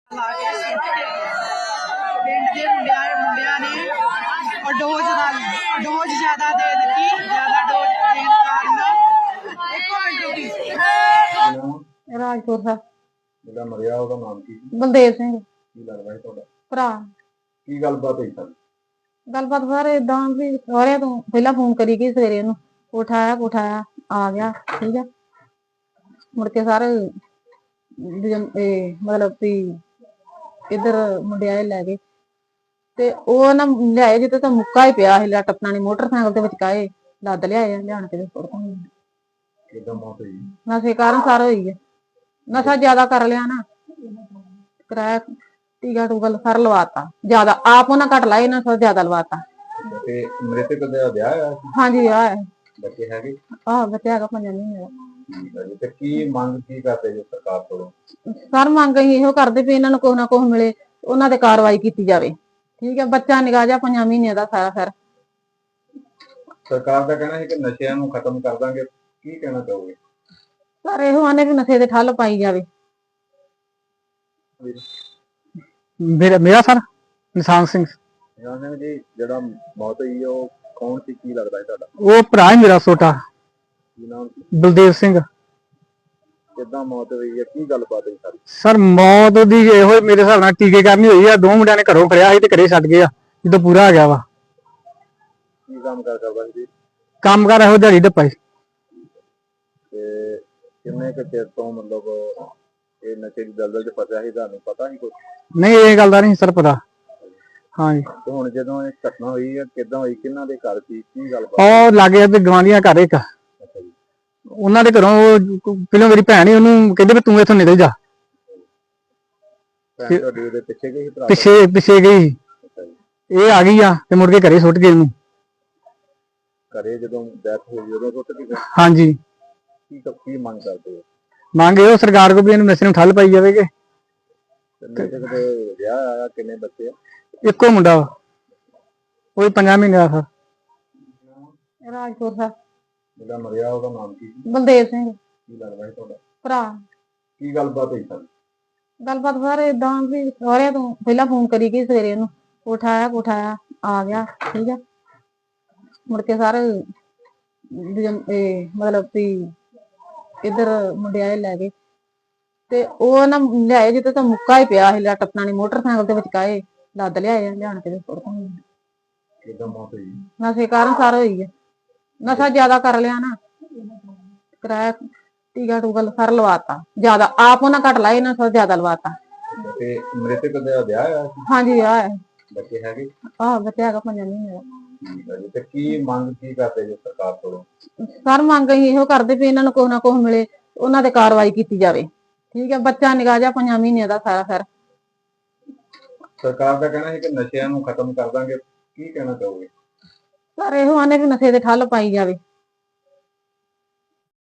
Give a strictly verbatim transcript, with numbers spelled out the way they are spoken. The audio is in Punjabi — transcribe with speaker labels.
Speaker 1: ਲਾ ਕੇ ਸੁੱਟ ਕੇ ਪਿੰਡ ਦੇ ਮੁੰਡਿਆਂ ਮੁੰਡਿਆਂ ਨੇ ਉਹ ਡੋਜ਼ ਨਾਲ ਡੋਜ਼ ਜ਼ਿਆਦਾ ਦੇ ਦਿੱਤੀ ਜ਼ਿਆਦਾ ਡੋਜ਼ ਦੇਣ ਕਾਰਨ ਇੱਕੋ ਮਿੰਟ ਰੁਕੀ
Speaker 2: ਰਾਜਪੁਰ ਦਾ
Speaker 3: ਜਿਹੜਾ ਮਰਿਆ ਉਹਦਾ ਨਾਮ ਕੀ ਸੀ?
Speaker 2: ਬਲਦੇਵ ਸਿੰਘ
Speaker 3: ਕੀ ਲੱਗਦਾ ਹੈ ਤੁਹਾਡਾ?
Speaker 2: ਭਰਾ।
Speaker 3: ਕੀ ਗੱਲਬਾਤ ਹੋਈ ਸਰ?
Speaker 2: ਗੱਲਬਾਤ ਸਰ ਏਦਾਂ ਵੀ ਸਾਰਿਆਂ ਤੋਂ ਪਹਿਲਾਂ ਫੋਨ ਕਰੀ ਗਈ ਸਵੇਰੇ ਉਹਨੂੰ ਉਠਾਇਆ ਉਠਾਇਆ ਆ ਗਿਆ ਠੀਕ ਹੈ। ਮੁੜ ਕੇ ਸਾਰੇ ਇਹ ਮਤਲਬ ਵੀ ਇੱਧਰ ਮੁੰਡਿਆਂ ਲੈ ਗਏ ਤੇ ਉਹ ਨਾ ਲਿਆਏ ਜਿੱਤੇ ਤਾਂ ਮੁੱਕਾ ਹੀ ਪਿਆ ਸੀ ਲੱਟ ਆਪਣਾ ਮੋਟਰਸਾਈਕਲ ਦੇ ਵਿਚਕਾਏ ਲੱਦ ਲਿਆਏ ਲਿਆਣ ਕੇ ਸੁੱਟਦੇ।
Speaker 3: ਕਿੱਦਾਂ ਮੌਤ ਹੋਈ?
Speaker 2: ਨਸ਼ੇ ਕਾਰਨ ਸਾਰਾ ਹੋਈ ਹੈ। ਨਸ਼ਾ ਜ਼ਿਆਦਾ ਕਰ ਲਿਆ ਨਾ ਕਰਾਇਆ ਟੀਕਾ ਟੂਕਾ ਸਾਰਾ ਲਵਾਤਾ ਜ਼ਿਆਦਾ ਆਪ ਉਹਨਾਂ ਘੱਟ ਲਾਏ ਨਾ ਸਾਰਾ ਜ਼ਿਆਦਾ ਲਵਾਤਾ।
Speaker 3: ਤੇ ਮ੍ਰਿਤਕ ਦਾ ਵਿਆਹ ਹੋਇਆ ਸੀ?
Speaker 2: ਹਾਂਜੀ ਵਿਆਹ ਹੈ।
Speaker 3: ਬੱਚੇ ਹੈਗੇ?
Speaker 2: ਆਹ ਬੱਚਾ ਹੈਗਾ ਪੰਜਾਂ ਮਹੀਨੇ ਦਾ।
Speaker 3: ਠੀਕ ਹੈ ਜੀ। ਤੇ ਕੀ ਮੰਗ ਕੀ ਕਰਦੇ ਜੀ ਸਰਕਾਰ ਕੋਲੋਂ?
Speaker 2: ਸਰ ਮੰਗ ਅਸੀਂ ਇਹੋ ਕਰਦੇ ਵੀ ਇਹਨਾਂ ਨੂੰ ਕੁਛ ਨਾ ਕੁਛ ਮਿਲੇ ਉਹਨਾਂ ਤੇ ਕਾਰਵਾਈ ਕੀਤੀ ਜਾਵੇ ਠੀਕ ਹੈ। ਬੱਚਾ ਨਿਗਾਹ ਜਾ ਪੰਜਾਂ ਮਹੀਨਿਆਂ ਦਾ ਸਾਰਾ ਫਿਰ
Speaker 3: ਸਰਕਾਰ ਦਾ ਕਹਿਣਾ ਹੈ ਕਿ ਨਸ਼ਿਆਂ ਨੂੰ ਖਤਮ ਕਰ ਦਾਂਗੇ, ਕੀ ਕਹਿਣਾ ਚਾਹੋਗੇ?
Speaker 2: ਸਰ ਇਹੋ ਆਨੇ ਵੀ ਨਸ਼ੇ ਤੇ ਠੱਲ ਪਾਈ ਜਾਵੇ।
Speaker 4: ਮੇਰਾ ਮੇਰਾ ਸਰ ਨਿਸ਼ਾਨ ਸਿੰਘ।
Speaker 3: ਨਿਸ਼ਾਨ ਸਿੰਘ ਜੀ, ਜਿਹੜਾ ਮੌਤ ਹੋਈ ਉਹ ਕੌਣ ਸੀ, ਕੀ ਲੱਗਦਾ ਹੈ ਤੁਹਾਡਾ?
Speaker 4: ਉਹ ਭਰਾ ਹੀ ਮੇਰਾ ਛੋਟਾ
Speaker 3: ਕੀ ਨਾਮ ਸੀ?
Speaker 4: ਬਲਦੇਵ ਸਿੰਘ।
Speaker 3: ਕਿੱਦਾਂ ਮੌਤ ਹੋਈ ਹੈ, ਕੀ ਗੱਲਬਾਤ ਹੋਈ ਸਾਰੀ?
Speaker 4: ਸਰ ਮੌਤ ਦੀ ਇਹੋ ਹੀ ਮੇਰੇ ਹਿਸਾਬ ਨਾਲ ਟੀਕੇ ਕਰਨੀ ਹੋਈ ਆ। ਦੋ ਮੁੰਡਿਆਂ ਨੇ ਘਰੋਂ ਫੜਿਆ ਸੀ ਤੇ ਘਰੇ ਛੱਡ ਗਏ ਆ ਜਦੋਂ ਪੂਰਾ ਆ ਗਿਆ ਵਾ।
Speaker 3: ਕੀ ਕੰਮ ਕਰ ਕਰਦਾ ਸੀ?
Speaker 4: ਕੰਮ ਕਰ ਇਹੋ ਦਿਹਾੜੀ ਡੱਪਾ ਸੀ।
Speaker 3: ਤੇ ਕਿੰਨੇ ਕੁ ਚਿਰ ਤੋਂ ਮਤਲਬ ਇਹ ਨਸ਼ੇ ਦੀ ਦਲਦਲ ਚ ਫਸਿਆ ਸੀ, ਤੁਹਾਨੂੰ ਪਤਾ ਨਹੀਂ ਕੁਛ?
Speaker 4: ਨਹੀਂ ਇਹ ਗੱਲ ਦਾ ਨਹੀਂ ਸਰ ਪਤਾ। ਹਾਂਜੀ।
Speaker 3: ਤੇ ਹੁਣ ਜਦੋਂ ਇਹ ਘਟਨਾ ਹੋਈ ਹੈ ਕਿੱਦਾਂ ਹੋਈ, ਕਿਹਨਾਂ ਦੇ ਘਰ ਸੀ, ਕੀ ਗੱਲਬਾਤ?
Speaker 4: ਉਹ ਲਾਗੇ ਤੇ ਗਵਾਂਢੀਆਂ ਘਰ ਇੱਕ
Speaker 3: ਅੱਛਾ ਜੀ।
Speaker 4: ਉਹਨਾਂ ਦੇ ਘਰੋਂ ਉਹ ਪਹਿਲਾਂ ਮੇਰੀ ਭੈਣ ਹੀ ਉਹਨੂੰ ਕਹਿੰਦੇ ਵੀ ਤੂੰ ਇੱਥੋਂ ਨਿਕਲ ਜਾ।
Speaker 3: ਭੈਣ ਤੁਹਾਡੀ ਉਹਦੇ ਪਿੱਛੇ ਗਈ ਸੀ ਭਰਾ?
Speaker 4: ਪਿੱਛੇ ਪਿੱਛੇ ਗਈ।
Speaker 3: ਅੱਛਾ ਜੀ।
Speaker 4: ਇਹ ਆ ਗਈ ਆ ਤੇ ਮੁੜ ਕੇ ਘਰੇ ਸੁੱਟ ਗਏ ਉਹਨੂੰ।
Speaker 3: ਘਰੇ ਜਦੋਂ ਡੈਥ ਹੋਈ ਉਦੋਂ ਸੁੱਟ ਕੇ ਗਏ?
Speaker 4: ਹਾਂਜੀ।
Speaker 3: ਕੀ ਕੀ ਮੰਗ ਕਰਦੇ ਹੋ?
Speaker 4: ਮੰਗ ਇਹੋ ਸਰਕਾਰ ਕੋਲ ਵੀ ਇਹਨੂੰ ਨਸ਼ੇ ਨੂੰ ਠੱਲ ਪਾਈ ਜਾਵੇਗੀ।
Speaker 3: ਤੇ ਮ੍ਰਿਤਕ ਦੇ ਵਿਆਹ ਆਇਆ, ਕਿੰਨੇ ਬੱਚੇ ਆ?
Speaker 4: ਇੱਕੋ ਮੁੰਡਾ ਵਾ, ਉਹ ਵੀ ਪੰਜਾਂ ਮਹੀਨੇ ਦਾ ਸਰ।
Speaker 2: ਰਾਜਪੁਰ ਦਾ
Speaker 3: ਜਿਹੜਾ ਮਰਿਆ ਉਹਦਾ ਨਾਮ ਕੀ ਸੀ?
Speaker 2: ਬਲਦੇਵ ਸਿੰਘ।
Speaker 3: ਕੀ ਲੱਗਦਾ ਹੈ ਤੁਹਾਡਾ?
Speaker 2: ਭਰਾ।
Speaker 3: ਕੀ ਗੱਲਬਾਤ ਹੋਈ ਸਰ?
Speaker 2: ਗੱਲਬਾਤ ਸਰ ਏਦਾਂ ਵੀ ਸਾਰਿਆਂ ਤੋਂ ਪਹਿਲਾਂ ਫੋਨ ਕਰੀ ਗਈ ਸਵੇਰੇ ਉਹਨੂੰ ਉਠਾਇਆ ਉਠਾਇਆ ਆ ਗਿਆ ਠੀਕ ਹੈ। ਮੁੜ ਕੇ ਸਾਰੇ ਇਹ ਮਤਲਬ ਵੀ ਇੱਧਰ ਮੁੰਡਿਆਂ ਲੈ ਗਏ ਤੇ ਉਹ ਨਾ ਲਿਆਏ ਜਿੱਤੇ ਤਾਂ ਮੁੱਕਾ ਹੀ ਪਿਆ ਸੀ ਲੱਟ ਆਪਣਾ ਮੋਟਰਸਾਈਕਲ ਦੇ ਵਿਚਕਾਏ ਲੱਦ ਲਿਆਏ ਲਿਆਣ ਕੇ ਸੁੱਟਦੇ।
Speaker 3: ਕਿੱਦਾਂ ਮੌਤ ਹੋਈ?
Speaker 2: ਨਸ਼ੇ ਕਾਰਨ ਸਾਰਾ ਹੋਈ ਹੈ। ਨਸ਼ਾ ਜ਼ਿਆਦਾ ਕਰ ਲਿਆ ਨਾ ਕਰਾਇਆ ਟੀਕਾ ਟੂਕਾ ਸਾਰਾ ਲਵਾਤਾ ਜ਼ਿਆਦਾ ਆਪ ਉਹਨਾਂ ਘੱਟ ਲਾਏ ਨਾ ਸਾਰਾ ਜ਼ਿਆਦਾ ਲਵਾਤਾ।
Speaker 3: ਤੇ ਮ੍ਰਿਤਕ ਦਾ ਵਿਆਹ ਹੋਇਆ ਸੀ?
Speaker 2: ਹਾਂਜੀ ਵਿਆਹ ਹੈ।
Speaker 3: ਬੱਚੇ ਹੈਗੇ?
Speaker 2: ਆਹ ਬੱਚਾ ਹੈਗਾ ਪੰਜਾਂ ਮਹੀਨੇ ਦਾ।
Speaker 3: ਠੀਕ ਹੈ ਜੀ। ਤੇ ਕੀ ਮੰਗ ਕੀ ਕਰਦੇ ਜੀ ਸਰਕਾਰ ਕੋਲੋਂ?
Speaker 2: ਸਰ ਮੰਗ ਅਸੀਂ ਇਹੋ ਕਰਦੇ ਵੀ ਇਹਨਾਂ ਨੂੰ ਕੁਛ ਨਾ ਕੁਛ ਮਿਲੇ ਉਹਨਾਂ ਤੇ ਕਾਰਵਾਈ ਕੀਤੀ ਜਾਵੇ ਠੀਕ ਹੈ। ਬੱਚਾ ਨਿਗਾਹ ਜਾ ਪੰਜਾਂ ਮਹੀਨਿਆਂ ਦਾ ਸਾਰਾ ਫਿਰ
Speaker 3: ਸਰਕਾਰ ਦਾ ਕਹਿਣਾ ਹੈ ਕਿ ਨਸ਼ਿਆਂ ਨੂੰ ਖਤਮ ਕਰ ਦਾਂਗੇ, ਕੀ ਕਹਿਣਾ ਚਾਹੋਗੇ?
Speaker 2: ਸਰ ਇਹੋ ਆਨੇ ਵੀ ਨਸ਼ੇ ਤੇ ਠੱਲ ਪਾਈ ਜਾਵੇ।